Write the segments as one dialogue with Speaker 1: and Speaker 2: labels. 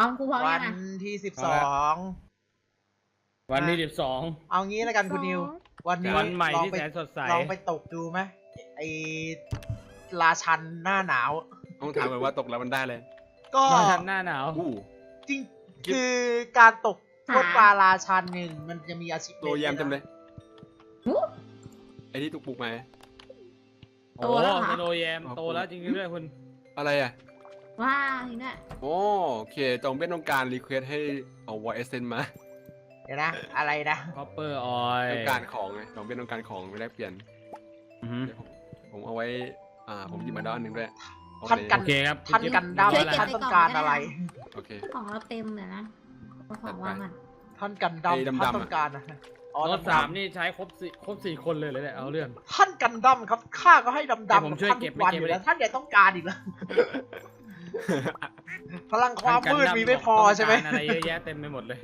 Speaker 1: เอาครูพร้อม
Speaker 2: วั
Speaker 1: ยั
Speaker 2: น
Speaker 1: งอ่ะ
Speaker 2: ที่
Speaker 3: วันที่
Speaker 2: 12เอางี้แล้วกันคุณนิว วันนี้
Speaker 3: วันใหม่
Speaker 2: ลอง
Speaker 3: ที่
Speaker 2: ไป
Speaker 3: แสนสดใส
Speaker 2: ลองไปตกดูไหมไอราชันหน้าหนาว
Speaker 4: ต้องถามก่อนว่าตกแล้วมันได้เลย
Speaker 2: ก็
Speaker 3: นอนทันหน้าหนาว
Speaker 4: อู้
Speaker 2: จริงคือการตกพวกปลาราชันหนึ่งมันจะมีอาชีพ
Speaker 4: ตัวแยมจำเลย ไอ้ที่ตุกปุกมา
Speaker 3: โอ้สโนว์แยมโตแล้วจริงๆด้วยคุณ
Speaker 4: อะไรอ่ะ
Speaker 1: ว้าวนี่เนี่ย
Speaker 4: โอเคจองเป็นต้องการรีเควสให้เอาวอยเอเซนมา
Speaker 2: เดี๋ยวนะ อะไรนะ
Speaker 3: คอปเปอร์ออย
Speaker 4: ต้องการของไงจองเป็นต้องการของไปแลกเปลี่ยนเดี๋ยวผมเอาไว้ผมหยิบมาด้านหนึ่งด้วย
Speaker 2: ท่านกัน
Speaker 3: โอเคครับ
Speaker 2: ท่านกันดั้ม
Speaker 3: ช่วยเก็บ
Speaker 2: ท่านต้องการอะไร
Speaker 4: โอเค
Speaker 1: ของเราเต็มเลยนะเอาของวางก่อน
Speaker 2: ท่านกันดั้ม
Speaker 4: ไอ้ดำๆ
Speaker 2: ท่านต้องการนะอ๋อ
Speaker 3: รถ
Speaker 2: ดำๆ
Speaker 3: สามนี่ใช้ครบสี่คนเลยเนี่ยเอาเรื่อง
Speaker 2: ท่านกันดั้มครับข้าก็ให้ดำ
Speaker 3: เดี๋ยว
Speaker 2: ๆ
Speaker 3: ผม
Speaker 2: กับ
Speaker 3: ช่วย
Speaker 2: ท่าน
Speaker 3: เก็
Speaker 2: ทุ
Speaker 3: บ
Speaker 2: กวัน
Speaker 3: ไว้
Speaker 2: อยู่แล้ว
Speaker 3: เก็บไว้
Speaker 2: ท่านยังต้องการอีกเหรอ พลังความมืดมีไม่พอใช่ไหม
Speaker 3: ต้องการอะไรเยอะแยะเต็มไปหมดเลย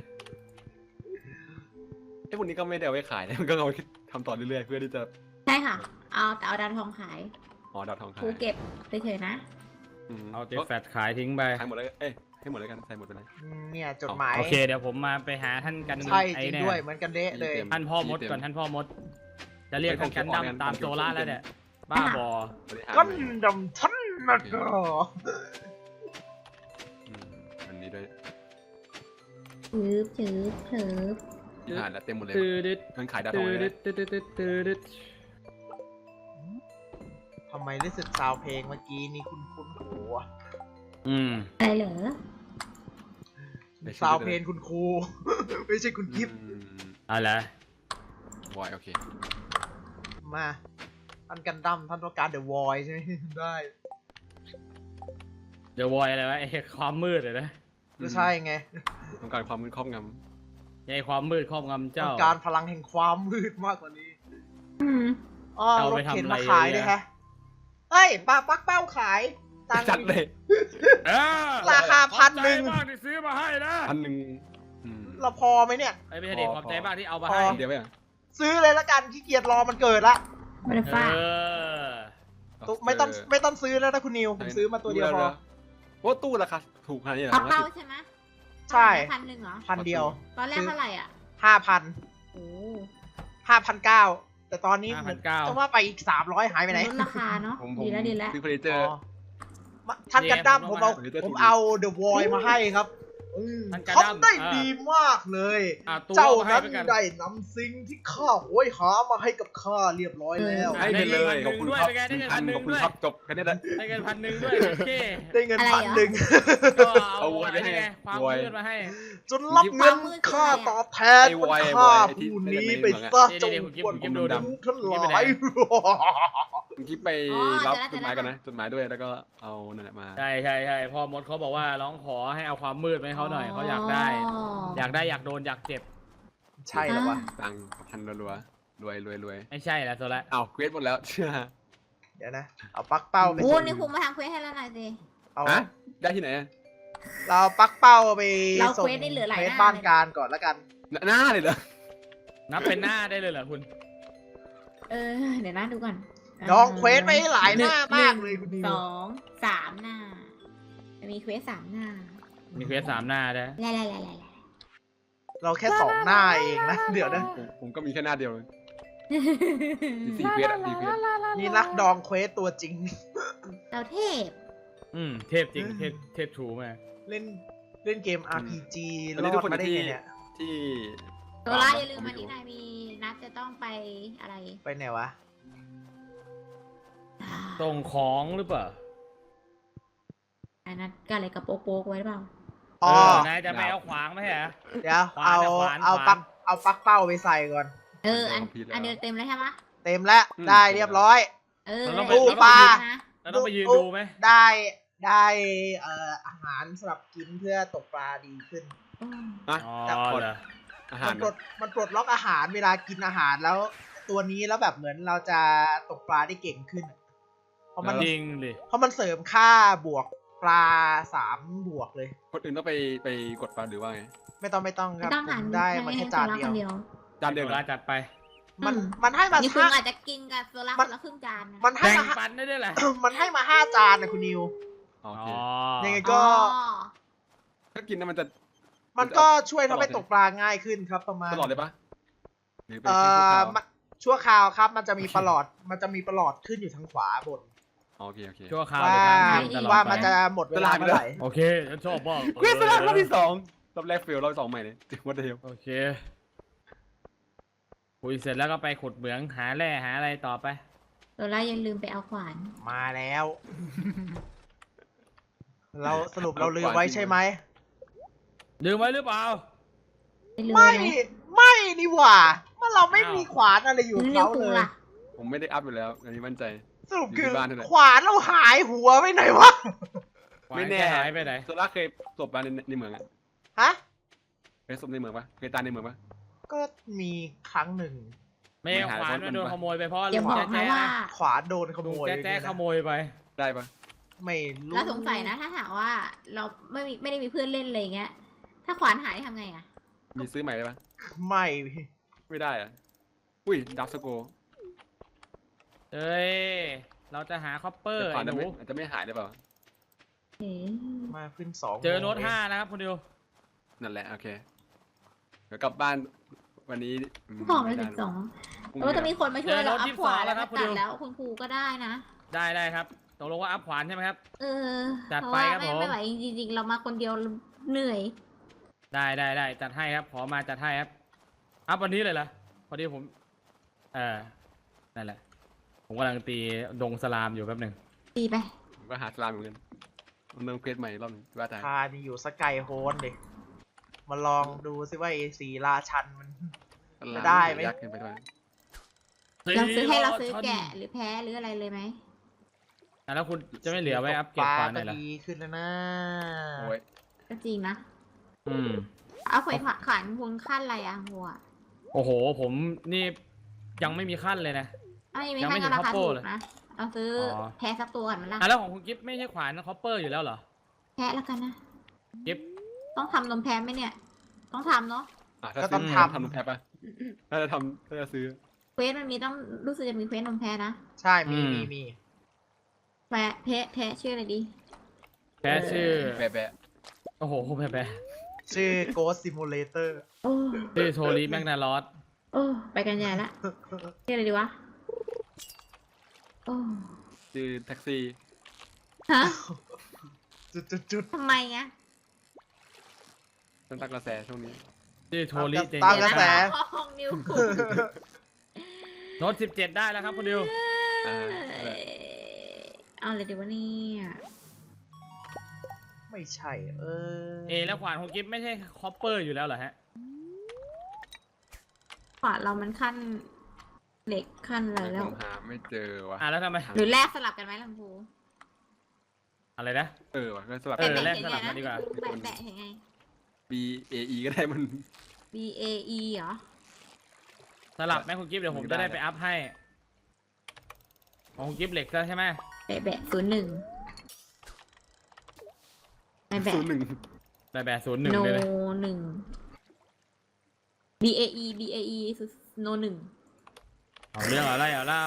Speaker 4: ไอ้พวกนี้ก็ไม่ได้เอาไว้ขายนะมันก็เอาไว้ทำต่อเรื่อยๆเพื่อที่จะ
Speaker 1: ใช่ค่ะ เอาดาวทองขาย
Speaker 4: ดาวทองขา
Speaker 1: ครู
Speaker 4: ย
Speaker 1: เก็บไปเฉยนะ
Speaker 3: เอาเจแฟตขายทิ้งไป
Speaker 4: ขายหมดเลยให้หมดเลยกันใส่หมดไปเลย
Speaker 2: เนี่ยจดหมาย
Speaker 3: โอเคเดี๋ยวผมมาไปหาท่านกัน
Speaker 2: ใช่จ
Speaker 3: ไอ้
Speaker 2: ริง
Speaker 3: เนี่ย
Speaker 2: ด้วยเหมือนกันเดะเลย
Speaker 3: ท่านพ่อมดก่อนท่านพ่อมด จะเรียกท่านกันดั้มตามโซล่าแล้วเนี่ยบ้าบอ
Speaker 4: บริหาร
Speaker 2: กันดำท่านนะก็
Speaker 4: อันนี้ด้วย
Speaker 1: ถือ
Speaker 4: บริหารแล้วเต็มหมดเลย
Speaker 3: ตืดด
Speaker 4: มันขายดาวทอง
Speaker 3: ตื
Speaker 4: เล
Speaker 3: ด
Speaker 4: ย
Speaker 3: ตืด
Speaker 2: ทำไมรู้สึกซาวเพลงเมื่อกี้นี่คุณหูอะ
Speaker 1: อะไรเหรอ
Speaker 2: ซาวเพลงคุณครู ไม่ใช่คุณกิฟต์
Speaker 3: อะไร
Speaker 4: วอยโอเค
Speaker 2: มาท่านกันดั้มท่านต้องการเดอะวอยใช่ไหม ได้
Speaker 3: เดี๋ยววอยอะไรวะไอ้ความมืดเลยนะ
Speaker 2: ก็ใช่ไง
Speaker 4: ต้องการความมืดครอบง
Speaker 3: ไอ้ความมืดครอบงำ
Speaker 2: ต้
Speaker 3: เจ้า
Speaker 2: องการพลังแห่งความมืดมากกว่านี้ อ๋อ
Speaker 3: เอา
Speaker 2: ร
Speaker 3: ไป
Speaker 2: ถ
Speaker 3: ทำ
Speaker 2: เข็น
Speaker 3: อะไร
Speaker 2: มาขาย
Speaker 3: เยอะ
Speaker 2: ด้วยฮะเอ้ยปลาปักเป้าขายตังค์
Speaker 4: จัดเลย
Speaker 2: ราคา1,000
Speaker 3: ขอบใจมากที่ซื้อมาให้นะ
Speaker 4: 1,000
Speaker 2: เราพอไหมเนี่ย
Speaker 3: ไอ้ไม่ใช่เด็กขอบใจมากที่เอามาให้
Speaker 4: เดี๋ยวไปอ่ะ
Speaker 2: ซื้อเลยละกันขี้เกียจรอมันเกิดละ
Speaker 1: ไม่ได้
Speaker 3: เอ
Speaker 1: ฟาด
Speaker 3: อ
Speaker 2: ไม่ต้องซื้อแล้วนะคุณนิวผมซื้อมาตัวเดียวพอ
Speaker 4: ว่าตู้ราคาถูกขนาดนี้เหรอ
Speaker 1: เอาเป้าใช่ไหม
Speaker 2: ใช่
Speaker 1: 1,000เหรอ
Speaker 2: พันเดียว
Speaker 1: ตอนแรกเท่าไหร่อ่ะ
Speaker 2: 5,000
Speaker 1: โอ้
Speaker 2: 5,900แต่ตอนนี้
Speaker 3: 5,900
Speaker 2: จะว่าไปอีก300หายไปไหน
Speaker 1: ลดราคาเนาะ
Speaker 4: ผม
Speaker 1: ดีแล้วดีแล้ว
Speaker 4: ซื้อเฟอร์นิเจอร์
Speaker 2: ท่านกันดั้ม
Speaker 3: เนี่ย
Speaker 2: ผมเอาเดอะวอยมาให้ครับ
Speaker 3: ท่านกันดั้ม
Speaker 2: ทำได้ดีมากเลย
Speaker 3: ตู้
Speaker 2: เจ้า
Speaker 3: อให้
Speaker 2: นั้น
Speaker 3: ไปกัน
Speaker 2: ได้นำสิ่งที่ข้าโหยหามาให้กับข้าเรียบร้อยแล้ว
Speaker 4: ให้ไปเลยขอบคุณครับ
Speaker 3: ได้เงิน1,000
Speaker 4: ขอบคุณครับจบแค่นี้แหละ
Speaker 3: ได้เงิน1,000ด้วยโอเค
Speaker 2: ได้เงิน
Speaker 1: อะไรเหรอ
Speaker 2: 1,000
Speaker 3: ก็เอา
Speaker 4: เอาไว้
Speaker 3: อะไรไง
Speaker 4: ให้
Speaker 3: ความ
Speaker 4: ไว้
Speaker 3: มืดมาให้
Speaker 2: จนรับเงินค่าตอบแทน
Speaker 4: ไอ้
Speaker 2: มัน
Speaker 4: ไว้
Speaker 2: ค่า
Speaker 4: ไอ้ที่
Speaker 2: ผู้นี้
Speaker 4: เป็น
Speaker 2: ไป
Speaker 4: ใน
Speaker 2: ซะ
Speaker 3: เมื
Speaker 2: จ
Speaker 3: อง
Speaker 2: ง
Speaker 3: อะ
Speaker 2: กวน
Speaker 3: เดี๋
Speaker 2: ผม
Speaker 3: ยว
Speaker 2: ทั้งทั้งหลาย
Speaker 4: เมื่อกี้ไปรับจดหมายกันนะจดหมายด้วยแล้วก็เอานั่นแหละมา
Speaker 3: ใช่พ่อมดเขาบอกว่าร้องขอให้เอาความมืดมาให้เขาหน่อยเขาอยากได้ อยากโดนอยากเจ็บ
Speaker 2: ใช่แล้ววะ
Speaker 4: ตังค์พันรัวๆรวย
Speaker 3: ไม่ใช่แล้วโซละ
Speaker 4: เอาเควสหมดแล้วเชื่อ
Speaker 2: เดี๋ยวนะ เอาปลั๊กเป้าไป
Speaker 1: โอ้
Speaker 2: ส่ง
Speaker 1: นี่ครูมาทำเควสให้แล้วหน่อยสิ
Speaker 2: เอา
Speaker 4: ฮะได้ที่ไหน
Speaker 2: เราเอาปลั๊กเป้าไป
Speaker 1: เรา
Speaker 2: ส่ง
Speaker 1: เควสได้เหลือหลาย
Speaker 2: เควส
Speaker 1: หน้า
Speaker 2: บ้านการก่อนแล้วกัน
Speaker 4: หน้าเลยเหรอ
Speaker 3: นับเป็นหน้าได้เลยเหรอคุณ
Speaker 1: เดี๋ยวนะดูก่อน
Speaker 2: น้องเควสไปหลายหน้ามากเลยคุณนิว
Speaker 1: 2 3 หน้า มีเควส3 หน้า
Speaker 3: มีเควส3 หน้าได้
Speaker 1: ไล่
Speaker 2: เราแค่2 หน้าเองนะ เดี๋ยวนะ
Speaker 4: ผมก็มีแค่หน้าเดียวเลยมี4เควสอ่ะ4เควส
Speaker 2: นี่นักดองเควสตัวจริง
Speaker 1: เราเทพ
Speaker 3: เทพจริงเทพถูมาก
Speaker 2: เล่นเกม RPG
Speaker 4: อัน
Speaker 2: ร
Speaker 4: นี้
Speaker 2: อ
Speaker 4: ทุก
Speaker 2: ด
Speaker 4: คน
Speaker 2: มาได้
Speaker 4: ที่
Speaker 2: ไงเนี่ย
Speaker 4: ที่
Speaker 1: ตัวร้ายอย่าลืมวันนี้นายมีนัดจะต้องไปอะไร
Speaker 2: ไปไหนวะ
Speaker 3: ส่งของหรือเปล่า
Speaker 1: อันนัดกันอะไรกับโป๊กไว้หรือเปล่า
Speaker 2: อ๋อ
Speaker 3: นายจะไปเอาขวางไหมฮะ
Speaker 2: เดี๋ยว
Speaker 3: ขวานอะขวาน
Speaker 2: เอา
Speaker 3: ขวาน
Speaker 2: ปลั๊กเป้าไปใส่ก่อน
Speaker 1: อันเดียวเต็มแล้วใช่ไหม
Speaker 2: เต็มแล้วได้เรียบร้อย ตู้ปลา
Speaker 3: เราต้องไปยืนดูไหม
Speaker 2: ได้อาหารสำหรับกินเพื่อตกปลาดีขึ้น
Speaker 4: นะ
Speaker 3: อ๋อ
Speaker 2: แต่กด
Speaker 3: เหรอ
Speaker 4: อาหาร
Speaker 2: มันปลดล็อกอาหารเวลากินอาหารแล้ว ตัวนี้แล้วแบบเหมือนเราจะตกปลาได้เก่งขึ้น เพราะมัน
Speaker 3: จริงดิ
Speaker 2: เสริมค่าบวกปลา3 บวกเลย
Speaker 4: คนอื่นต้องไปกดฟันหรือว่าไง
Speaker 2: ไม่ต้องครับ
Speaker 1: ต้อง
Speaker 2: ผ
Speaker 1: หัน
Speaker 2: มได้มาแค่จานเดียว
Speaker 4: จานเดียว
Speaker 3: เวลาจัดไป
Speaker 2: มันให้มา
Speaker 1: นี่คุณอาจจะกินกับโซล่าคนละครึ่งจานนะ
Speaker 2: มันให้
Speaker 3: แบ่ง
Speaker 2: มา
Speaker 3: ปันได้ด้วยแหละ
Speaker 2: มันให้มา5 จานนะคุณนิว
Speaker 4: โอเค
Speaker 2: ยังไงก็
Speaker 4: ถ้ากินแล้วมันจะ
Speaker 2: มันก็ช่วยทำให้ตกปลาง่ายขึ้นครับประมาณ
Speaker 4: ตลอดเลยปะหรือเป็นแค่ชั่วคราว
Speaker 2: ชั่วคราวครับ มันจะมีประหลอดขึ้นอยู่ทางขวาบน
Speaker 4: โอเคโอเค
Speaker 3: ชั่วคราว
Speaker 2: ว่า
Speaker 3: หรือการกินตลอด
Speaker 2: ว่า
Speaker 3: ไป
Speaker 2: มันจะหมดเวลาเมื่อไหร่
Speaker 3: โอเคฉันชอบมาก
Speaker 4: เควสสลับรอบที่2รอบแรกเฟลรอบที่2ใหม่เลยวัดเดียว
Speaker 3: โอเคคุยเสร็จแล้วก็ไปขุดเหมืองหาแร่หาอะไรต่อไป
Speaker 1: โซล่าอย่าลืมไปเอาขวาน
Speaker 2: มาแล้ว เราสรุปเราลืมไว้ใช่ไหม
Speaker 3: ลืมไว้หรือเปล่า
Speaker 1: ไม่ลืม
Speaker 2: ไม่
Speaker 1: ไหม
Speaker 2: ไม่นี่หว่าเมื่อเราไม่มีขวานอะไรอยู่
Speaker 1: ลื
Speaker 2: กับ
Speaker 1: ม
Speaker 2: เขา
Speaker 1: กู
Speaker 2: เลย
Speaker 1: ล่ะ
Speaker 4: ผมไม่ได้อัพอยู่แล้วอันนี้มั่นใจ
Speaker 2: สรุปคือ
Speaker 4: อยู่ที่บ้านนั่นแหละ
Speaker 2: ขวานเราหายหัวไปไหนวะ
Speaker 4: ไม่แน่
Speaker 3: หายไปไหน
Speaker 4: โซล่าเคยตบมาในเมืองอะ
Speaker 2: ฮะ
Speaker 4: เคยตบในเมืองปะเคยตายในเมืองปะ
Speaker 2: ก็มีครั้งหนึ่ง
Speaker 3: ไม่เอาขวานมาโดนขโมยไปเพราะ
Speaker 1: อย่า
Speaker 3: ลุง
Speaker 1: บอก
Speaker 3: แจ๊
Speaker 1: นะ
Speaker 3: แจ๊
Speaker 1: ว่า
Speaker 2: ขวานโดนข
Speaker 3: ลุ
Speaker 2: โม
Speaker 3: ง
Speaker 2: ย
Speaker 3: แจ๊ขโมยไป
Speaker 4: ได้ปะ
Speaker 2: ไม่รู้
Speaker 1: แล้วสงสัยนะถ้าหากว่าเราไม่ได้มีเพื่อนเล่นอะไรเงี้ย ถ้าขวานหายทำไงอะ
Speaker 4: มีซื้อใหม่ได้ปะ
Speaker 2: ไม่
Speaker 4: ไม่ได้อะอุ้ยดับสโก
Speaker 3: เอ้ยเราจะหาคอปเปอร์
Speaker 4: แต่ก่อ
Speaker 3: ไอ้
Speaker 4: น
Speaker 3: หนู
Speaker 4: อาจจะไม่หายได้เปล่า
Speaker 1: เอ๊ะ
Speaker 2: มาขึ้นสอง
Speaker 3: เจอโน้ต
Speaker 2: โมง
Speaker 3: 5นะครับคุณดิว
Speaker 4: นั่นแหละโอเคเดี๋ยวกลับบ้านวันนี้
Speaker 1: บอกเลย12
Speaker 4: พรุ่ง
Speaker 1: เออ
Speaker 4: นี้
Speaker 1: จะมีคนมาช่วยเราอัพขวานแล้ว
Speaker 3: ครั
Speaker 1: มา
Speaker 3: บคุณ
Speaker 1: ตั
Speaker 3: ดิ
Speaker 1: ด
Speaker 3: ว
Speaker 1: แล้วคุณครูก็ได้นะ
Speaker 3: ได้ครับตกลงว่าอัพขวานใช่ไหมครับ
Speaker 1: เออ
Speaker 3: จัด
Speaker 1: เพราะ
Speaker 3: ไป
Speaker 1: ว่า
Speaker 3: ครับผม
Speaker 1: ไม่ไหวจริงๆเรามาคนเดียวเหนื่อย
Speaker 3: ได้จัดให้ครับขอมาจัดให้ครับอัพวันนี้เลยเหรอพอดีผมนั่นแหละผมกำลังตีดงสลามอยู่แป๊บหนึ่ง
Speaker 1: ตีไป
Speaker 4: ผมก็หาสลามเหมือนกันมันเริ่มเควสใหม่รอบหนึงว่าแต่
Speaker 2: พานี่อยู่สกายโฮนดิมาลองดูซิว่าไอ้สีราชันมัน จะได้ไหม
Speaker 4: ยักษ์ขึ้นไปด้วย
Speaker 1: เราซื้อให้เราซื้อแกะหรือแพ้หรืออะไรเลยไหม
Speaker 3: แล้วคุณจะไม่เหลือไว้อัพเกรดขวานหน่อยเหรอ
Speaker 2: ดีขึ้นแล้วนะ
Speaker 4: โอ้ย
Speaker 1: ก็จริงนะ
Speaker 3: อืม
Speaker 1: เอาขวานขวานคุณขั้นอะไรอะหัว
Speaker 3: โอ้โหผมนี่ยังไม่มีขั้นเลยนะ
Speaker 1: อ้าวยัง
Speaker 3: ยังไม่
Speaker 1: ไม่
Speaker 3: ถึ
Speaker 1: ขั้น
Speaker 3: ง
Speaker 1: ราคา
Speaker 3: Copper
Speaker 1: ถูก
Speaker 3: เลย
Speaker 1: นะเอาซื้ออ
Speaker 3: อ
Speaker 1: แพ้สักตัวก่อนมันละ
Speaker 3: แล้วของคุณกิฟต์ไม่ใช่ขวานคอปเปอร์อยู่แล้วเหรอ
Speaker 1: แพ้แล้วกันนะ
Speaker 3: กิฟต์
Speaker 1: ต้องทำนมแพ้ไหมเนี่ย ต้องทำเนาะ
Speaker 4: ถ้า
Speaker 2: ก็ต้อง
Speaker 4: ซื้
Speaker 2: ทำ
Speaker 4: ทำน้ำแพ็คปะถ้าจะทำถ้าจะซื้อ
Speaker 1: เควสมันมีต้องรู้สึกจะมีเควสนมแพ้นะ
Speaker 2: ใช่มี
Speaker 1: แพ้ชื่ออะไรดี
Speaker 3: แพ้ชื่อ
Speaker 4: แบะ
Speaker 3: โอ้โหแพ้
Speaker 2: ชื่อ Ghost Simulator
Speaker 1: โอ้
Speaker 3: ชื่อโทรีแมกนาลอส
Speaker 1: โอ้ไปกันใหญ่ละชื่ออะไรดีวะโอ้
Speaker 4: ชื่อแท็กซี่
Speaker 1: ฮะ
Speaker 2: จุด
Speaker 1: ทำไมอะ
Speaker 4: ต้นตักกระแสช่วงนี้
Speaker 3: ชื่อโทรีเจน
Speaker 2: ตามกระแส
Speaker 1: ห้องนิวคุ
Speaker 3: โน้ต17ได้แล้วครับคุณดิว
Speaker 4: อ่า
Speaker 1: เอาเลยดีวะเนี่ย
Speaker 2: ไม่ใช่
Speaker 3: แล้วขวานของกิฟต์ไม่ใช่คอปเปอร์อยู่แล้วเหรอฮะ
Speaker 1: ขวานเรามันขั้นเหล็กขั้นอะไรแล้ว
Speaker 4: ผมหาไม่เจอวะ
Speaker 3: แล้วทำไม
Speaker 1: หรือแลกสลับกันไหมลังพู
Speaker 3: อะไรนะ
Speaker 4: วะก็สลับ
Speaker 3: แลกสลับกันดีกว่า
Speaker 1: แบะเห็นไง
Speaker 4: B A E ก็ได้มัน
Speaker 1: B A E เหรอ
Speaker 3: สลับไหมคุณกิฟต์เดี๋ยวผมจะได้ไปอัพให้ของคุณกิฟต์เหล็กซะใช่ไหม
Speaker 1: แบะ01แบะ
Speaker 4: 01
Speaker 3: แบบ01
Speaker 1: โน
Speaker 3: เลยนะ
Speaker 1: 1 B A E B A E โน1
Speaker 3: เอาเรื่องอะไรเอาเล่า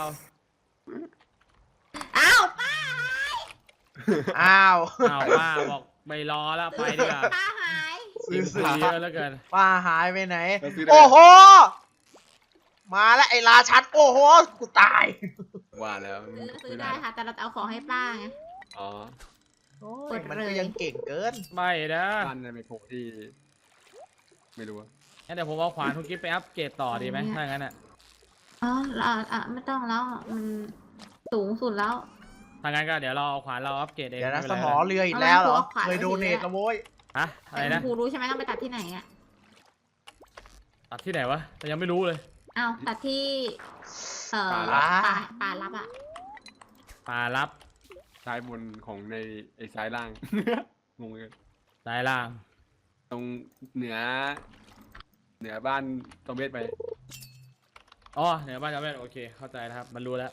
Speaker 1: อ้าวป้า
Speaker 2: อ้าว
Speaker 3: เอาว่าบอกไม่รอแล้วไปดีกว่า
Speaker 1: ป้าหาย
Speaker 3: ทีมซื้อเยอะแล้วเกิน
Speaker 2: ป้าหายไปไหน
Speaker 4: เราซื้อได้
Speaker 2: โอ้โห มาแล้วไอ้ราชันโอ้โห กูตาย
Speaker 4: ว่าแล้ว
Speaker 1: ซื้อได้ค่ะ แต่เราจะเอาของให้ป้าไง
Speaker 4: อ๋อ
Speaker 2: โอ้ยมันก็ยังเก่งเกิน
Speaker 3: ไม่นะ
Speaker 4: บ้านในไมโครที่ไม่รู้อะ
Speaker 3: งั้นเดี๋ยวผมเอาขวานคุณกิฟต์ไปอัพเกรดต่อดีไหมถ้างั้นอ่ะ
Speaker 1: อ๋อไม่ต้องแล้ว มันสูงสุดแล้ว
Speaker 3: ถ้างั้นก็เดี๋ยวเราเอาขวานเราอัพเกรดเอง
Speaker 2: เดี๋ยวนะ
Speaker 3: ไม่
Speaker 2: ส
Speaker 3: ป็น
Speaker 2: ม
Speaker 3: ไร
Speaker 2: อเรืออีกแล้วเหรอ
Speaker 1: เอาขวาน
Speaker 2: เคยโดเนทแล้วโว้ย
Speaker 3: ฮะอะไร
Speaker 1: แต่
Speaker 3: นะ
Speaker 1: คุณครูรู้ใช่ไหมต้องไปตัดที่ไหนอ่ะ
Speaker 3: ตัดที่ไหนวะแต่ยังไม่รู้เลย
Speaker 1: เอาตัดที่
Speaker 2: ป่า
Speaker 1: ป่ารับอ่ะ
Speaker 3: ป่ารับ
Speaker 4: ซ้ายบนของในไอ้ซ้ายล่าง งงเลย
Speaker 3: ซ้ายล่าง
Speaker 4: ตรงเหนือบ้านตอมเบสไป
Speaker 3: อ๋อเหนือบ้านจำเป็นโอเคเข้าใจแล้วครับมันรู้แล้ว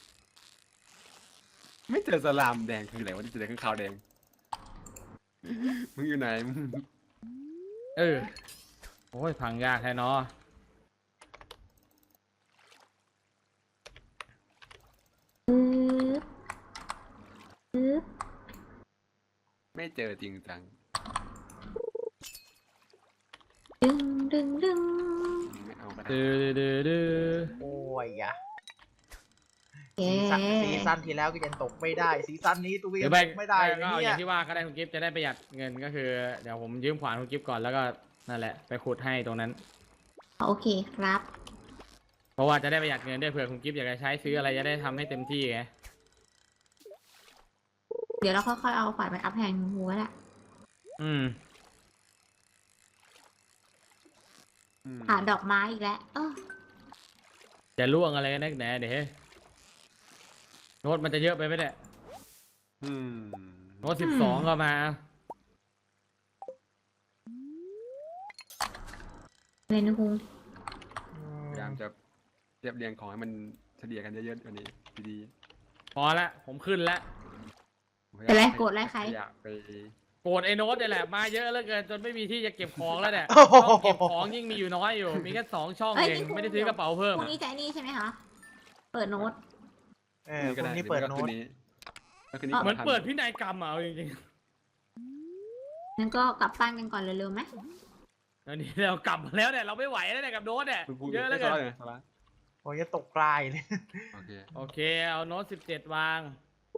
Speaker 4: ไม่เจอสลามแดงคืออะไรวะที่เจอข้างขาวแดงมึงอยู่ไหนมึง
Speaker 3: โอ้ยพังยากแท้เนาะ
Speaker 4: ไม่เจอจริงจัง
Speaker 1: ดึงดึงดึง
Speaker 4: ไม่เอาก็ได้
Speaker 3: ดื้อ
Speaker 2: โอ้ยอะ
Speaker 1: เย้
Speaker 2: ซีซั่นที่แล้วก็ยังตกไม่ได้ซีซั่นนี้ตัว
Speaker 3: หรื
Speaker 2: ยั
Speaker 3: อง ไม่
Speaker 2: ตกไม่ได้
Speaker 3: ก็เอาอ
Speaker 2: เนี่
Speaker 3: ย่าย งที่ว่าก็ได้คุณกิฟต์จะได้ประหยัดเงินก็คือเดี๋ยวผมยืมขวานคุณกิฟต์ก่อนแล้วก็นั่นแหละไปขุดให้ตรงนั้น
Speaker 1: โอเคครับ
Speaker 3: เพราะว่าจะได้ประหยัดเงินด้วยเผื่อคุณกิฟต์อยากจะใช้ซื้ออะไรจะได้ทำให้เต็มที่ไง
Speaker 1: เดี๋ยวเราค่อยๆเอาขวานไปอัพแพงหัวแหละ
Speaker 3: อืม
Speaker 1: หาดอกไม้อีกแล้ว
Speaker 3: จะล่วงอะไรกันนักหนาเดี๋ยวโน้ตมันจะเยอะไปไหมเนี่ย
Speaker 4: อืม
Speaker 3: โน้ต12ก็มา
Speaker 1: เลยนะคุง
Speaker 4: พยายามจะเรียบเรียงของให้มันเฉลี่ยกันเยอะๆกว่านี้ดี
Speaker 3: พอละผมขึ้นละ
Speaker 4: ๆ
Speaker 1: เป็นไรโกรธอะไรใคร
Speaker 4: อยากไป
Speaker 3: โกรธไอ้โน้ตนี่แหละมาเยอะเหลือเกินจนไม่มีที่จะเก็บของแล้วเนี่ย
Speaker 2: โอ้โห
Speaker 3: ช่องเก็บของยิ่งมีอยู่น้อยอยู่มีแค่2 ช่อง
Speaker 1: เอ้ย
Speaker 3: เอง
Speaker 1: นี่คุณ
Speaker 3: ไม่ได้ซื้อกระเป๋าเพิ่ม
Speaker 1: พรุ่ง
Speaker 3: อะ
Speaker 1: นี้จะไอ้นี่ใช่ไหมคะเปิดโน้ต
Speaker 2: พรุ่งนี้เปิดโน้ต
Speaker 4: ก็คืนนี้
Speaker 3: เหมือนเปิดพินัยกรรมอ่ะเอาจริง
Speaker 1: งั้นก็กลับบ้านกันก่อนเร็วๆไหม
Speaker 3: ๆตอนนี้เรากลับมาแล้วเนี่ยเราไม่ไหวแล้วเนี่ยกับโน้ตเนี่ย
Speaker 4: คุณพูด
Speaker 3: เยอะเหลือเกิน
Speaker 4: เลยนะ
Speaker 2: โอ้ยจะตกปลายเลย
Speaker 4: โอเค
Speaker 3: โอเคเอาโน้ต17วาง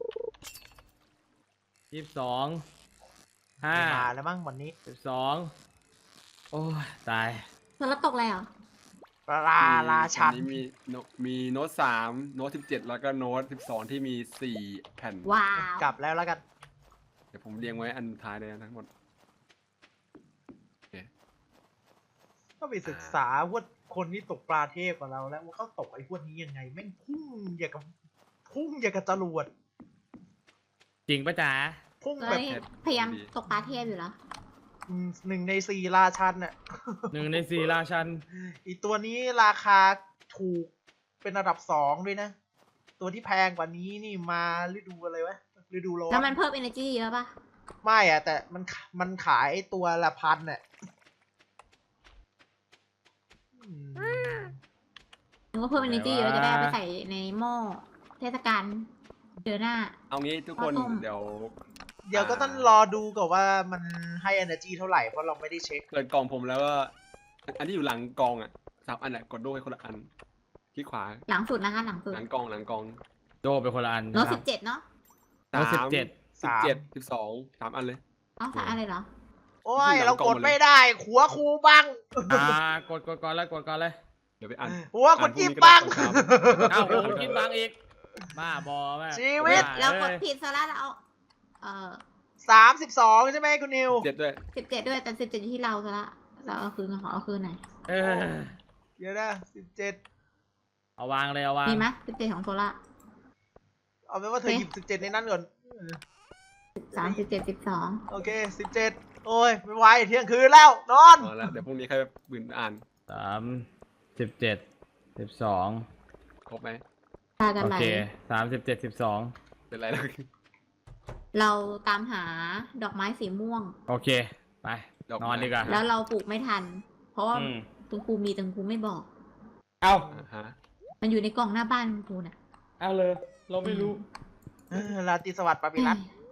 Speaker 3: 22
Speaker 2: ไม่มาแล้วมั้งวันนี้
Speaker 3: 12โอ้ยตาย
Speaker 1: แล้วตกอะไรเหรอ
Speaker 2: ราชัน
Speaker 4: อันี้มีโน้ต3โน้ต17แล้วก็โน้ต12ที่มี4แผ่น
Speaker 1: ว้าว
Speaker 2: กลับแล้วกัน
Speaker 4: เดี๋ยวผมเรียงไว้อันท้ายเลยนะทั้งหมด
Speaker 2: ก็ไปศึกษาว่าคนที่ตกปลาเทพกว่าเราแล้วว่าเขาตกไอ้พวกนี้ยังไงแม่งพุ่งอย่างกับจรวด
Speaker 3: จริงปะจ๊ะ
Speaker 2: พุ่ง
Speaker 1: เอ้
Speaker 2: แบบ
Speaker 1: ยพยายามตกปลาเทพอยู่แล้ว
Speaker 2: 1 ใน 4ราชันน่ะ
Speaker 3: 1 ใน 4ราชัน
Speaker 2: อีตัวนี้ราคาถูกเป็นระดับ2ด้วยนะ ตัวที่แพงกว่านี้นี่มาฤดูอะไรวะฤดูร้อน
Speaker 1: แล้วมันเพิ่ม energy เยอะปะ
Speaker 2: ไม่อะแต่มันขายตัวละพันน่ะอืม
Speaker 1: นึกว่าเพิ่ม energy เยอะจะได้เอาไปใส่ในหม้อเทศกาลเดือนหน้า
Speaker 4: เอางี้ทุกคน
Speaker 1: ข้าวต้ม
Speaker 4: เดี๋ยว
Speaker 2: เดี๋ยวก็ต้องรอดูก่อนว่ามันให้ energy เท่าไหร่เพราะเราไม่ได้เช็ค
Speaker 4: เปิดกล่องผมแล้วก็อันที่อยู่หลังกล่องอ่ะ3 อันอ่ะกดดูให้คนละอันคลิกขวา
Speaker 1: หลังสุดนะคะหลังสุด
Speaker 4: หลังกล่อง
Speaker 3: โดเป็นคนละอัน
Speaker 1: โน้ต17เนาะ
Speaker 3: โน้ต
Speaker 4: 3
Speaker 3: 17
Speaker 4: 17 12 3 อันเลย
Speaker 1: เอาสายอะไรเหรอ
Speaker 2: โอ้ย
Speaker 4: ที่หลัง
Speaker 2: เรา
Speaker 4: กล่
Speaker 2: ก
Speaker 4: อง
Speaker 2: ด
Speaker 4: หมดเลย
Speaker 2: ไม่ได้หัวครูบัง
Speaker 3: กดก่อนเลยกดก่อนเลย
Speaker 4: เดี๋ยวไปอ่าน
Speaker 2: หัวคนจิ้ม
Speaker 4: พรุ่
Speaker 2: บัง
Speaker 4: นี้ก็ได้ตอนเช้า
Speaker 3: อ้าวผมกินบางอีกบ้าบอแม่
Speaker 2: ชีวิต
Speaker 3: บ้า
Speaker 1: แล้วกด
Speaker 3: เอ้ย
Speaker 1: ผิดซะแล้วเรา
Speaker 2: 32ใช่ไหมคุณนิว
Speaker 4: 7ด้วย
Speaker 1: 17ด้วยแต่17อยู่ที่เราซะละเราเอาคืนขอเอาคืนหน่อย
Speaker 3: เออ
Speaker 2: เดี๋ยวนะ17
Speaker 3: เอาวางเลยเอาวาง
Speaker 1: มีไหม17ของโซล่า
Speaker 2: เอาเป็นว่าเธอหยิบ17ในนั้นก่อน
Speaker 1: 3 17 12
Speaker 2: โอเค17โอ้ยไม่ไหวเที่ยงคืนแล้วนอน
Speaker 4: เอาละเดี๋ยวพรุ่งนี้ใครบืนอ่าน
Speaker 3: 3 17 12
Speaker 4: ครบไหม
Speaker 1: ตากัน
Speaker 3: โอ
Speaker 1: ไหล
Speaker 3: เค3 17 12
Speaker 4: เป็นไรแล้ว
Speaker 1: เราตามหาดอกไม้สีม่วง
Speaker 3: โอเคไปนอนดีกว่า
Speaker 1: แล้วเราปลูกไม่ทัน เพราะว่า
Speaker 3: อืม
Speaker 1: คุณครูมีแต่คุณครูไม่บอก
Speaker 3: เอา
Speaker 4: ฮะ
Speaker 1: มันอยู่ในกล่องหน้าบ้านคุณครูน่ะ
Speaker 3: เอาเลยเราไม่รู้
Speaker 2: ราตรีสวัสดิ์ปาปิรัต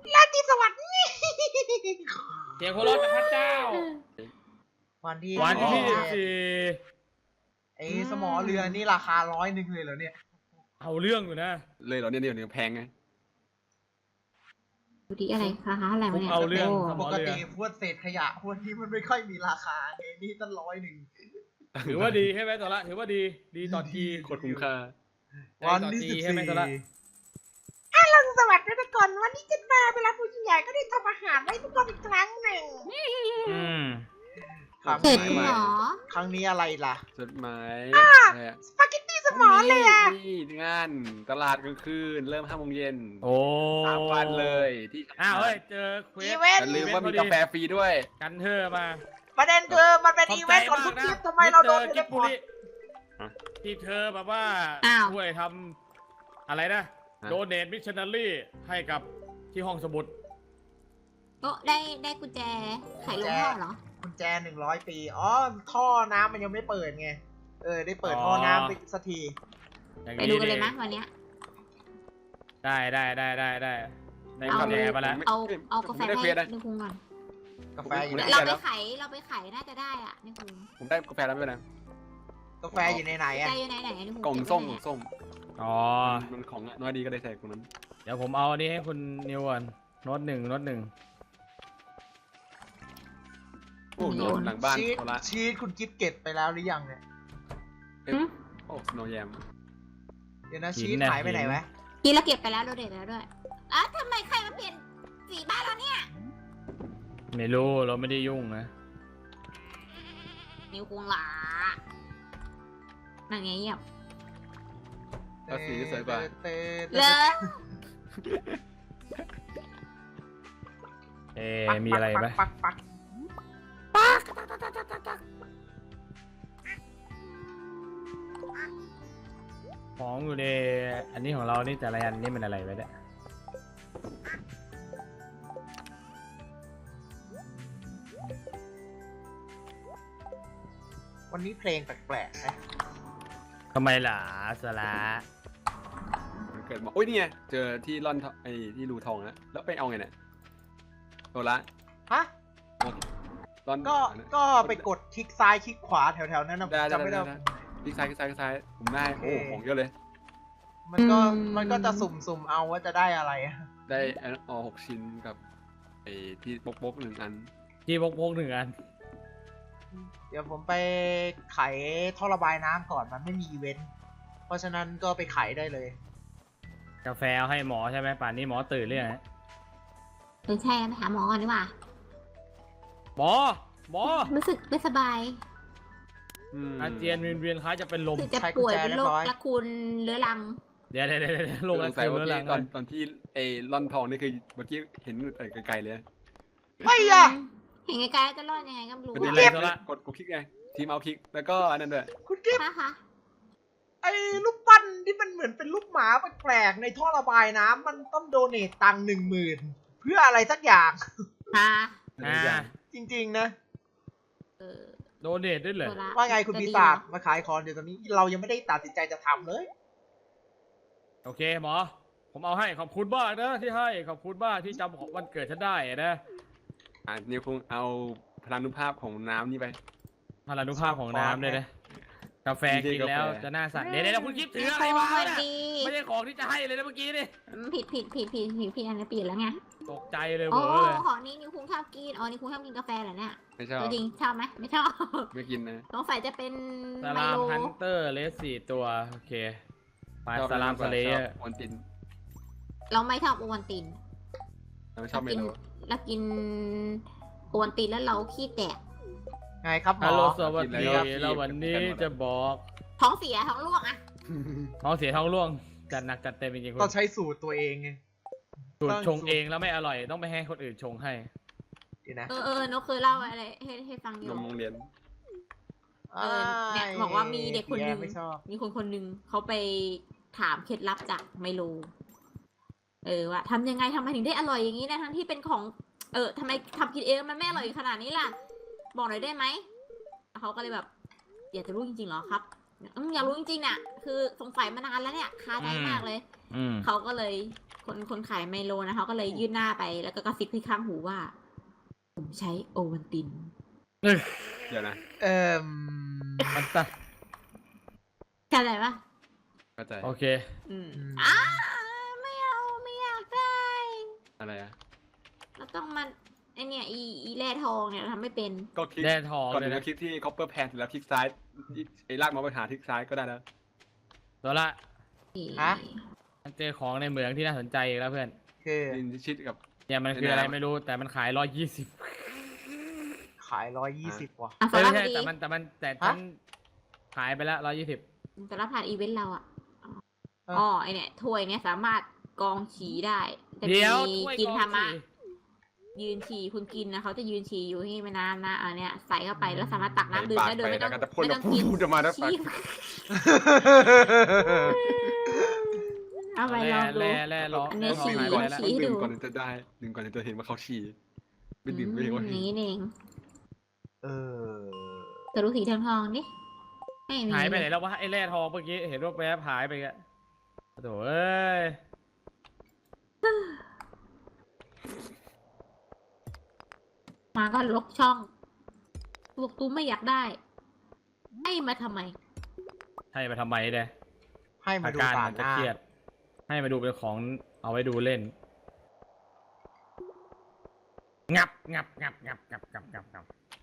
Speaker 3: เสียงโคโรจากพระเจ้า
Speaker 2: วันที่
Speaker 3: วันที่
Speaker 1: อ๋อ
Speaker 2: ไอ้สมอเรือนี่ราคา100เลยเหรอเนี่ย
Speaker 3: เอาเรื่องอยู่นะ
Speaker 4: เลยเหรอเนี่ยเดี๋ยวนี้แพงไง
Speaker 1: ดูดีอะไรคะอะไรวะเนี่ย
Speaker 3: เอาเรื่อง
Speaker 2: ปกติพวกเศษขยะพวกนี้มันไม่ค่อยมีราคาไงนี่ตั้ง100
Speaker 3: ถือว่าดีใช่ไหมตัวละถือว่าดีดีต่อที
Speaker 4: โคตรคุ้มค่า
Speaker 2: วันที่
Speaker 3: ใช่ไหมตัวละ
Speaker 2: สวัสดีทุกคนวันนี้จะมาเวลาผู้ใหญ่ก็ได้ทำอาหารให้ทุกคนอีกครั้งหนึ่ง
Speaker 3: อืม
Speaker 2: ครั้ง
Speaker 1: เสร็จ
Speaker 2: นี้
Speaker 1: เหรอ
Speaker 2: ครั้งนี้อะไรล่ะ
Speaker 4: จดหมาย
Speaker 2: สปาเกตตี้สมอเลยอ่ะ
Speaker 4: นี่งานตลาดกลางคืนเริ่ม5 โมงเย็น
Speaker 3: โอ้
Speaker 4: 3 วันเลยที่
Speaker 3: อ้าวเฮ้ยเจอเคว
Speaker 2: อี
Speaker 3: ส
Speaker 2: เวน
Speaker 4: อย่า
Speaker 2: ต์
Speaker 4: ลืมว่ามีกาแฟฟรีด้วย
Speaker 3: กันเธอมา
Speaker 2: ประเด็นคือมันเป็นอีเวนต์ของทุกทีมทำไมเราโดน
Speaker 3: กิ
Speaker 2: เด็
Speaker 3: บ
Speaker 2: ก
Speaker 3: บุรีที่เธอแบบว่า
Speaker 1: อ้าว
Speaker 3: ช่วยทำอะไรนะโดเนทมิชชันนารีให้กับที่ห้องสมุด
Speaker 1: ก็ได้กุญแจไขลงห้องเหรอ
Speaker 2: กุญแจ100 ปีอ๋อท่อน้ำมันยังไม่เปิดไงได้เปิดท่อน้ำไปสักที
Speaker 3: อย่าง
Speaker 1: ไปดูกันเลยไหมวันเนี้ย
Speaker 3: ได้ได้กุญแจมาแล้ว
Speaker 1: เอากาแฟให้ดูคุงก่อน
Speaker 2: กาแฟอยู่ไหน
Speaker 4: ม่
Speaker 1: เรา
Speaker 4: ด้
Speaker 1: ไปไขน่าจะได้อ่ะนี่คุณ
Speaker 4: ผมได้กาแฟแล้วไม่เป็นไร
Speaker 2: กาแฟอยู่ในไหนอะ
Speaker 1: ใจอยู่ไหนนี่คุณ
Speaker 4: กล่อง
Speaker 1: เบ
Speaker 4: ส้ม
Speaker 1: ไว้
Speaker 4: กล่องส้ม
Speaker 3: อ๋อ
Speaker 4: มันของน้อยดีก็ได้ใส่ตรงนั้น
Speaker 3: เดี๋ยวผมเอาอันนี้ให้คุณนิวก่อนโน้ตหนึ่ง
Speaker 4: โอ้โหหลังบ้าน
Speaker 2: ชีส
Speaker 4: โซละ
Speaker 2: ชีสคุณกิฟเก็บไปแล้วหรือยังเนี่ย
Speaker 4: โอ้สโนว์แยม
Speaker 2: เดี๋ยวนะชีสหายไปไหนวะ
Speaker 1: กินแล้วเก็บไปแล้วโดเด็ดแล้วด้วยอ่ะทำไมใครมาเปลี่ยนสีบ้านเราเนี่ย
Speaker 3: ไม่รู้เราไม่ได้ยุ่งนะ
Speaker 1: นิวคุงหลานั่งเงียบ
Speaker 4: ก็สีสวยกว่า
Speaker 1: เลย
Speaker 3: มีอะไรไหม
Speaker 2: ปักปัก
Speaker 3: ของอยู่ในอันนี้ของเรานี่แต่ละอันนี่มันอะไรไว้เนี่ย
Speaker 2: วันนี้เพลงแปลกๆนะ
Speaker 3: ทำไมล่ะสละ
Speaker 4: มันเกิดบอกโอ้ยนี่ไงเจอที่ร่อนไอ้ที่รูทองแล้วไปเอาไงเนี่ยโซละ
Speaker 2: ฮะ
Speaker 4: ร่อน
Speaker 2: ก็ไปกดคลิกซ้ายคลิกขวาแถวๆนั้นนะผม
Speaker 4: ได้
Speaker 2: จำไม่ได้
Speaker 4: คลิกซ้ายคลิกซ้ายผมได้โอ้ของเยอะเลย
Speaker 2: มันก็จะสุ่มเอาว่าจะได้อะไรอะ
Speaker 4: ได้6 ชิ้นกับไอ้ที่บก1 อัน
Speaker 3: ที่พกหนึ่งอัน
Speaker 2: เดี๋ยวผมไปไขท่อระบายน้ำก่อนมันไม่มีอีเวนต์ เพราะฉะนั้นก็ไปไขได้เลย
Speaker 3: กาแฟเอาให้หมอใช่ไหมป่านนี้หมอตื่นหรือยังฮะ
Speaker 1: ใช่ไปหาหมอก่อนดีกว่า
Speaker 3: หมอ
Speaker 1: รู้สึกไม่สบาย
Speaker 3: อาเจียนเวียนคล้ายจะเป็นลม
Speaker 1: รู้สึกจะป่วยเป็นโรคละคุณเรื้อรัง
Speaker 3: เดี๋ยวลง
Speaker 4: ส
Speaker 3: แล้ว
Speaker 4: งสัย
Speaker 3: เรื้
Speaker 4: ว่า
Speaker 3: อรัง
Speaker 4: ตอนที่ไอ้ร่อนทองนี่คือเมื่อกี้เห็นไกลๆเลย
Speaker 2: ไม่อะ
Speaker 1: เห็นไกลๆจะรอดยังไงก็ไม่รู้
Speaker 4: เป็น
Speaker 1: อะ
Speaker 4: เล่นเลยกดคลิกไงทีมเอาคลิกแล้วก็อันนั้นด้วย
Speaker 2: คุณกิฟ
Speaker 1: นะคะ
Speaker 2: ไอ้รูปปั้นที่มันเหมือนเป็นรูปหมาแปลกๆในท่อระบายน้ำมันต้องโดเนทตังค์10,000 เพื่ออะไรสักอย่าง
Speaker 1: ฮะ
Speaker 2: จริงๆนะ
Speaker 1: เออ
Speaker 3: โดเนทด้วยเหรอ
Speaker 1: โซล่
Speaker 2: ว่าไงคุณปีศาจมาขายของเดี๋ยวตอนนี้เรายังไม่ได้ตัดสินใจจะทำเลย
Speaker 3: โอเคหมอ ผมเอาให้ขอบคุณมากนะที่ให้ขอบคุณมากที่จำของวันเกิดฉันได้นะ
Speaker 4: นิวคงเอาพลานุภาพของน้ำนี่ไป
Speaker 3: พลานุภาพของน้ำด้วยนะกาแฟกินแล้วจะหน้าสั่นเดี๋ยวคุณคิดถืออะไรมา
Speaker 1: ไม่
Speaker 3: เนี่ย
Speaker 1: ดี
Speaker 3: ไม่ใช่ของที่จะให้เลยนะเมื่อกี้นี่
Speaker 1: ผิดอันนี้เปลี่ยนแล้วไง
Speaker 3: ตกใจเลย
Speaker 1: โอ้
Speaker 3: เวอร์เลย
Speaker 1: ของนี้นิวคุงชอบกินอ๋อนิวคุงชอบกินกาแฟเหรอเนี่ย
Speaker 4: ไม่ชอบ
Speaker 1: ตัวจริงชอบไหมไม่ชอบ
Speaker 4: ไม่กินนะ
Speaker 1: สงสัยจะเป็น
Speaker 3: ส
Speaker 1: ไม
Speaker 3: ลาม
Speaker 1: โล
Speaker 3: ฮันเตอร์เลส4 ตัวโอเคไปสลามสเล
Speaker 4: ช
Speaker 3: ย์
Speaker 4: อบออนติน
Speaker 1: เราไม่ชอบโอวัลติน
Speaker 4: เราไม่ชอบเมนู
Speaker 1: เรากินโอวัลตินแล้วเราขี้แตก
Speaker 2: ไงครับหม
Speaker 3: ฮัล
Speaker 2: อ
Speaker 3: โหลสวัสดี
Speaker 4: ครับ
Speaker 3: แล้ววันนี้จะบอก
Speaker 1: ท้องเสียท้องร่วงอะ
Speaker 3: ท้องเสียท้องร่วงจัดหนักจัดเต็มจริงๆคุ
Speaker 2: ต้อง
Speaker 3: ณ
Speaker 2: ใช้สูตรตัวเองไง
Speaker 3: สูตรชงเองแล้วไม่อร่อยต้องไปให้คนอื่นชงให้
Speaker 2: เดี๋ยวนะ
Speaker 1: นกเคยเล่าอะไรให้ฟังอน ยู่
Speaker 4: มโรงเรียน
Speaker 1: เนี่ยบอกว่ามีเด็กคนหนึง
Speaker 2: ไม่ชอบ
Speaker 1: มีคนหนึงเขาไปถามเคล็ดลับจากไมโลว่าทำยังไงทำไมถึงได้อร่อยอย่างนี้นะทั้งที่เป็นของทำไมทำกินเองมันไม่อร่อยขนาดนี้ล่ะ บอกหน่อยได้ไหมเขาก็เลยแบบอยากจะรู้จริงๆเหรอครับอยากรู้จริงๆน่ะคือสงสัยมานานแล้วเนี่ยคาใจมากเลย เขาก็เลยคนขายไมโลนะเขาก็เลยยื่นหน้าไปแล้วก็กระซิบที่ข้างหูว่า ผมใช้โอวัลติน
Speaker 4: เดี๋ยวนะ
Speaker 3: มันตัด
Speaker 1: เข้าใจปะ
Speaker 4: เข้าใจ
Speaker 3: โอเค
Speaker 1: ไม่เอาไม่อยากได้
Speaker 4: อะไรอะ
Speaker 1: เราต้องมันไอเนี่ยอีแร่ทองเนี่ยเราทำไม่เป็น
Speaker 4: ก็คลิก
Speaker 3: แร่ทอง
Speaker 4: ก่อน
Speaker 3: เล
Speaker 4: ถึ
Speaker 3: ย
Speaker 4: ง
Speaker 3: นะ
Speaker 4: จะคลิกที่ copper pan แล้วคลิกซ้ายไอ้ลากมาไปหาคลิกซ้ายก็ได้แล้ว
Speaker 3: ตัวละ
Speaker 2: ฮะ
Speaker 3: มันเจอของในเหมืองที่น่าสนใจอีกแล้วเพื่อน
Speaker 2: คือ
Speaker 4: ดินชิดกับ
Speaker 3: เนี่ยมันคืออะไรไม่รู้แต่มันขาย120
Speaker 2: ขาย120ว่ะ
Speaker 1: อ่ะ
Speaker 3: ไม่
Speaker 1: สำหรับ
Speaker 3: ใช่
Speaker 1: ดี
Speaker 3: แต่ฉันขายไปแล้ว120
Speaker 1: สำหรับผ่านอีเวนต์เราอ่ะอ๋อไอเนี่ยถ้วยเนี่ยสามารถกองฉี่ได้แต่
Speaker 3: เดี๋ยว
Speaker 1: มี
Speaker 3: ถ้วย
Speaker 1: กิน
Speaker 3: กอง
Speaker 1: ธรรมะ
Speaker 3: ฉี่
Speaker 1: ยืนฉี่คุณกินนะเขาจะยืนฉี่อยู่ให้ไม่นานนะอันเนี้ยใส่เข้าไปแล้วสามารถตักน้ำดื่มได้โดยไม่ต้อง
Speaker 4: แล้วก็จะพ่น
Speaker 1: ไม่ต้องกิน
Speaker 4: พูดจะมาแล้วปาก
Speaker 1: ฉี่เอาไปลองดู
Speaker 3: แร่ร้อง
Speaker 1: อันนี้
Speaker 3: แร่ทอง
Speaker 1: ฉี่
Speaker 3: หาย
Speaker 4: ก่อน
Speaker 3: ไปแล้ว
Speaker 1: ฉี่
Speaker 4: ดื่มก่อนถึงจะได้ดื่มก่อนถึงจะเห็นว่าเขาฉี่ไม่ดื่มไม่เห็นว่า
Speaker 1: อย่างนี้เอง
Speaker 2: เออ
Speaker 1: แต่รู้สีทองๆดิไม่มี
Speaker 3: หายไปไหนแล้ววะไอ้แร่ทองเมื่อกี้เห็นว่าแวบหายไปกะโถ่เอ้ย
Speaker 1: มาก็ลกช่องบอกตูไม่อยากได้ให้มาทำไม
Speaker 3: ให้มาทำไมเนี่ย
Speaker 2: ให้มา
Speaker 3: อา
Speaker 2: ดู
Speaker 3: การ
Speaker 2: ต่า
Speaker 3: มั
Speaker 2: ง
Speaker 3: น
Speaker 2: ห
Speaker 3: จะ
Speaker 2: น้า
Speaker 3: เครียด ให้มาดูเป็นของเอาไว้ดูเล่น งับงับงับงับงับงับงับงับ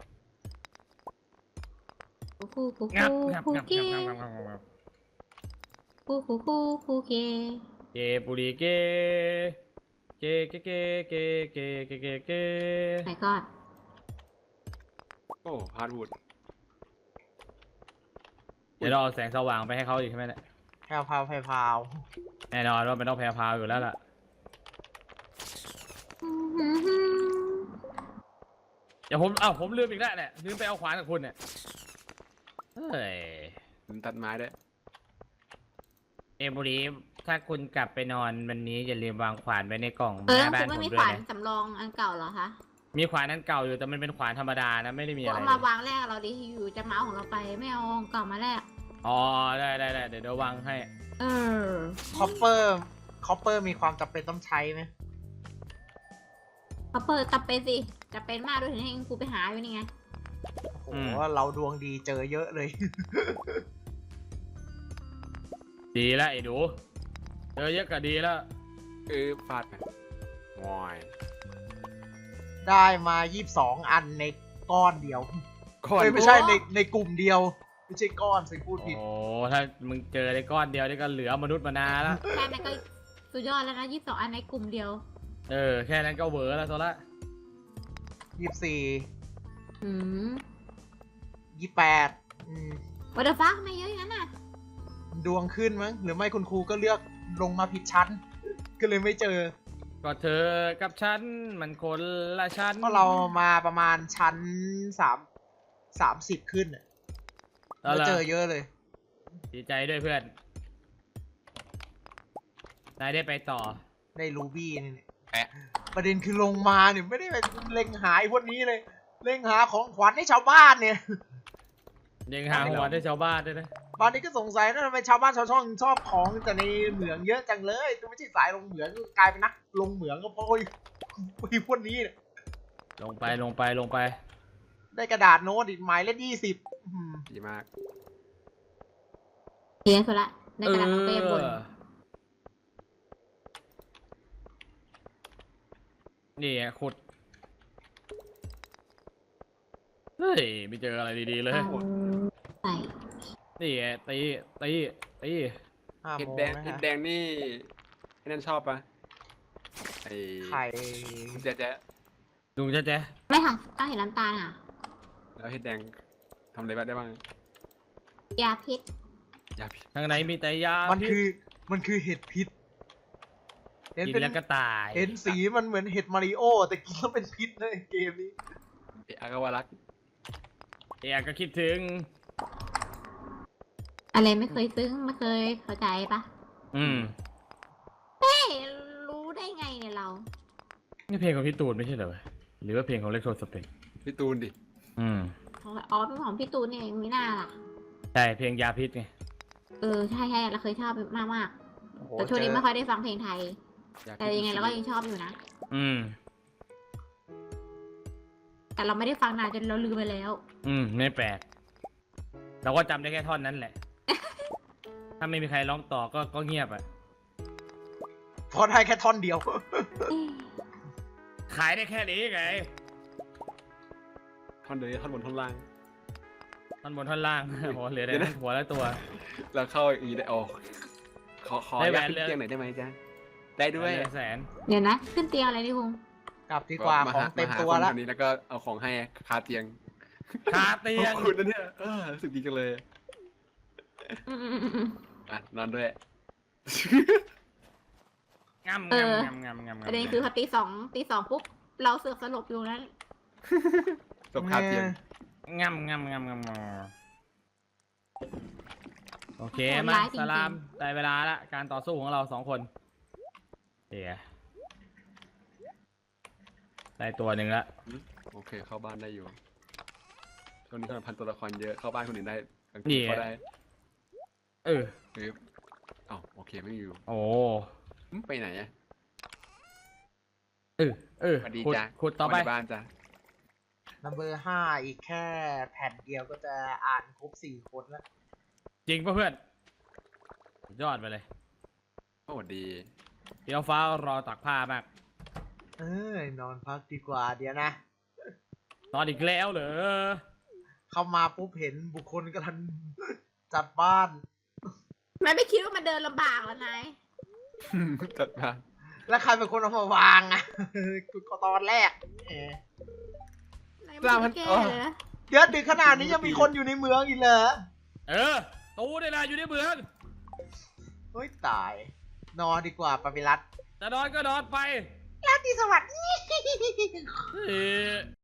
Speaker 1: คูคูคู
Speaker 3: งับ
Speaker 1: คู
Speaker 3: งับ
Speaker 1: คู
Speaker 3: งับ
Speaker 1: เก
Speaker 3: งับงับงับงับ
Speaker 1: คูคูคูคูเก
Speaker 3: เกปุริเกเกเกเกเกเกเกเกเก
Speaker 1: ไหนก่อน
Speaker 4: โอ้ฮาร์ดวูด
Speaker 3: เดี๋ยวเราเอาแสงสว่างไปให้เขาอีกใช่ไหมเนี่ย
Speaker 2: แพรวพราวแพรวพราว
Speaker 3: แน่นอนว่ามันต้องแพรพราวอยู่แล้วล่ะ เดี๋ยวผมลืมอีกแล้วเนี่ยลืมไปเอาขวานกับคุณเนี่ยเฮ้ย
Speaker 4: ผมตัดไม้ด้วย
Speaker 3: เอบุรีถ้าคุณกลับไปนอนวันนี้อย่าลืมวางขวานไว้ในกล่องห
Speaker 1: คุ
Speaker 3: น้าบ้า
Speaker 1: ณ
Speaker 3: น
Speaker 1: ไม่
Speaker 3: ผม
Speaker 1: มี
Speaker 3: ด้
Speaker 1: ข
Speaker 3: ว
Speaker 1: วาย น
Speaker 3: นะ
Speaker 1: สำรองอันเก่าเหรอคะ
Speaker 3: มีขวานนั้นเก่าอยู่แต่มันเป็นขวานธรรมดานะไม่ได้มี
Speaker 1: กู
Speaker 3: อะไร
Speaker 1: เอา
Speaker 3: เล
Speaker 1: มาย วางแรกเราดิอยู่จะมาเอาของเราไปไม่เอาของเก่ามาแรก
Speaker 3: อ๋อได้เดี๋ยววางให้
Speaker 1: เออ
Speaker 2: คอปเปอร์มีความจำเป็นต้องใช้ไหม
Speaker 1: เขาเปิดตับเป็นสิจะเป็นมากด้วยถึงให้กูไปหาอยู่นี่ไง
Speaker 2: โอ้โหเราดวงดีเจอเยอะเลย
Speaker 3: ดีแล้วไอ้ดูเจอเยอะก็ดีแล้ว
Speaker 4: ฟาดไปวอย
Speaker 2: ได้มา22อันในก้อนเดียว
Speaker 4: ก้อน
Speaker 2: เอ้ยไม่ใช่ในกลุ่มเดียว ไม่ใช่ก้อนสิพูดผิด
Speaker 3: โอ้ถ้ามึงเจอได้ก้อนเดียวนี่ก็เหลือมนุษย์มนาแล้ว
Speaker 1: แค่นั้นก็สุดยอดแล้วนะ22อันในกลุ่มเดียว
Speaker 3: แค่นั้นก็เวอร์แล้วโซละ
Speaker 2: 24
Speaker 1: อืม
Speaker 2: 28
Speaker 1: วัตถุฟ้าทำไมเยอะอย่างนั้นน่ะ
Speaker 2: ดวงขึ้นมั้งหรือไม่คุณครูก็เลือกลงมาผิดชั้น ก็เลยไม่เจอ
Speaker 3: ก็เธอกับฉันมันคนละชั้น
Speaker 2: เพราะเรามาประมาณชั้น30ขึ้นน่ะ
Speaker 3: แล้ว
Speaker 2: ก็
Speaker 3: ล่ะ
Speaker 2: เจอเยอะเลย
Speaker 3: ดีใจด้วยเพื่อนนายได้ไปต่อ
Speaker 2: ได้รูบี้นี่เนี่ย
Speaker 4: แอะ
Speaker 2: ประเด็นคือลงมาเนี่ยไม่ได้ไปเล็งหาไอ้พวกนี้เลย เล็งหาของขวัญให้ชาวบ้านเนี่ย
Speaker 3: ยังหาหัวให้ชาวบ้านด้วยนะ
Speaker 2: บางทีก็สงสัยนะทำไมชาวบ้านชาวช่องชอบของแต่ในเหมืองเยอะจังเลยตัวไม่ใช่สายลงเหมืองก็กลายเป็นนักลงเหมืองก็เพราะไอ้พวกนี้เนี่ย
Speaker 3: ลงไป
Speaker 2: ได้กระดาษโน้ตอีกหมายเลข20
Speaker 4: ดีมาก
Speaker 1: เฮียสุดละในกระดาษน้องเป้บน
Speaker 3: นี่ไงขุดเฮ้ยไม่เจออะไรดีๆเลย
Speaker 1: เอาใส่
Speaker 3: นี่ไงตี
Speaker 2: 5
Speaker 4: เห็ด
Speaker 2: โมง
Speaker 4: แดง
Speaker 2: นะ
Speaker 4: เห็ด
Speaker 2: ฮะ
Speaker 4: แดงนี่ไอ้นั่นชอบปะไอ้
Speaker 2: ไข่
Speaker 4: แจ๊ะ
Speaker 3: ลุงแจ๊ะ
Speaker 1: ไม่ค่ะต้องเห็นน้ำตาลอ่ะ
Speaker 4: แล้วเห็ดแดงทำอะไรบ้างได้บ้าง
Speaker 1: ยาพิษ
Speaker 4: ยาพิษ
Speaker 3: ข้างในมีแต่ยา
Speaker 2: มันคือเห็ดพิษเห็น
Speaker 3: กิน
Speaker 2: เป็น
Speaker 3: แล้วก็ตาย
Speaker 2: เห็นสีมันเหมือนเห็ดมาริโอแต่กินแล้วเป็นพิษเลยเกมนี้
Speaker 4: อากาวารัก
Speaker 3: ก็คิดถึง
Speaker 1: อะไรไม่เคยซึ้งไม่เคยเข้าใจปะ
Speaker 3: อืม
Speaker 1: เฮ้ยรู้ได้ไงเนี่ยเรา
Speaker 3: นี่เพลงของพี่ตูนไม่ใช่เหรอหรือว่าเพลงของเล็กโทสเปก
Speaker 4: พี่ตูนดิ
Speaker 3: อืม
Speaker 1: อ๋อเป็นของพี่ตูนเนี่ยมีหน้าล่ะ
Speaker 3: ใช่เพลงยาพิษไง
Speaker 1: ใช่เราเคยชอบมากมาก
Speaker 2: โอ้โห
Speaker 1: ๆแต่ช่วงนี้
Speaker 2: เจอ
Speaker 1: ไม่ค่อยได้ฟังเพลงไทย
Speaker 4: ยาพิษ
Speaker 1: แต่ยังไงเราก็ยังชอบอยู่นะ
Speaker 3: อืม
Speaker 1: แต่เราไม่ได้ฟังนานจนเราลืมไปแล้ว
Speaker 3: ไม่แปลก เราก็จำได้แค่ท่อนนั้นแหละ ถ้าไม่มีใครร้องต่อก็เงียบอ่ะ
Speaker 2: พอได้แค่ท่อนเดียว
Speaker 3: ขายได้แค่นี้ไง
Speaker 4: ท่อนเดียวท่อนบนท่อนล่าง
Speaker 3: ท่อนบนท่อนล่าง โหเหลือแต่
Speaker 4: เดี๋ยวนะ
Speaker 3: หัวและตัว
Speaker 4: แล้วเข้าอย่างนี้ได้โอ้ขอ
Speaker 3: ได้แหวย
Speaker 4: าน ขึ้น
Speaker 3: เลย
Speaker 4: เตียงหน่อยได้ไหมจ๊ะได้ด้วย
Speaker 3: เหลือแสน
Speaker 1: เดี๋ยวนะ ขึ้นเตียงอะไรนี่คุง
Speaker 2: กลับดีกว่าของเต็มตัวแล้ว
Speaker 4: คนนี้แล้วก็เอาของให้คาเตียง
Speaker 3: คาเตียง
Speaker 4: ขอบคุณนะเนี่ยรู้สึกดีจังเลย
Speaker 1: อืม
Speaker 4: อ่ะนอนด้วย
Speaker 3: งำ
Speaker 1: เออ ประเด็นคือพอตีสองปุ๊บเราเสือกสลบอยู่นั้น
Speaker 4: จบคาเตียง
Speaker 3: งำโอเคมาสลามได้เวลาละการต่อสู้ของเรา2 คนเดี๋ยวได้ตัวหนึ่งละ
Speaker 4: โอเคเข้าบ้านได้อยู่ช่วงนี้พันตัวละครเยอะเข้าบ้านคนอื่นได้กลางคืนเข้าได้
Speaker 3: เออ
Speaker 4: อ้าวโอเคไม่อยู่
Speaker 3: โอ้
Speaker 4: ไปไหนอะ
Speaker 3: เออ
Speaker 4: สวัสดี
Speaker 3: ขุด
Speaker 4: จ้ะ
Speaker 3: ขุดต่อไป
Speaker 4: วันในบ้านจ้ะ
Speaker 2: นัมเบอร์5อีกแค่แผ่นเดียวก็จะอ่านครบ4 คนแล้ว
Speaker 3: จริงป่ะเพื่อนสุดยอดไปเลย
Speaker 4: โอ้ดี
Speaker 3: พี่น้องฟ้ารอตักผ้ามาก
Speaker 2: นอนพักดีกว่าเดี๋ยวนะ
Speaker 3: นอนอีกแล้วเหรอ
Speaker 2: เข้ามาปุ๊บเห็นบุคคลกำลังจัดบ้าน
Speaker 1: ไม่คิดว่ามันเดินลำบากแล้วนาย
Speaker 4: จัดมา
Speaker 2: แล้วใครเป็นคนเอามาวางอ่ะ ก็ตอนแรกเออน
Speaker 1: ายไม่ได้แก้เลยนะ
Speaker 2: เดี๋ยวดึกขนาดนี้ยังมีคนอยู่ในเมืองอีกเหรอ
Speaker 3: ตูเนี่ยนะอยู่ในเมือง
Speaker 2: เฮ้ยตาย นอนดีกว่าปาปิรัต
Speaker 3: จะนอนก็นอนไป
Speaker 2: ราตรีสวัสดิ์
Speaker 3: เอ่อ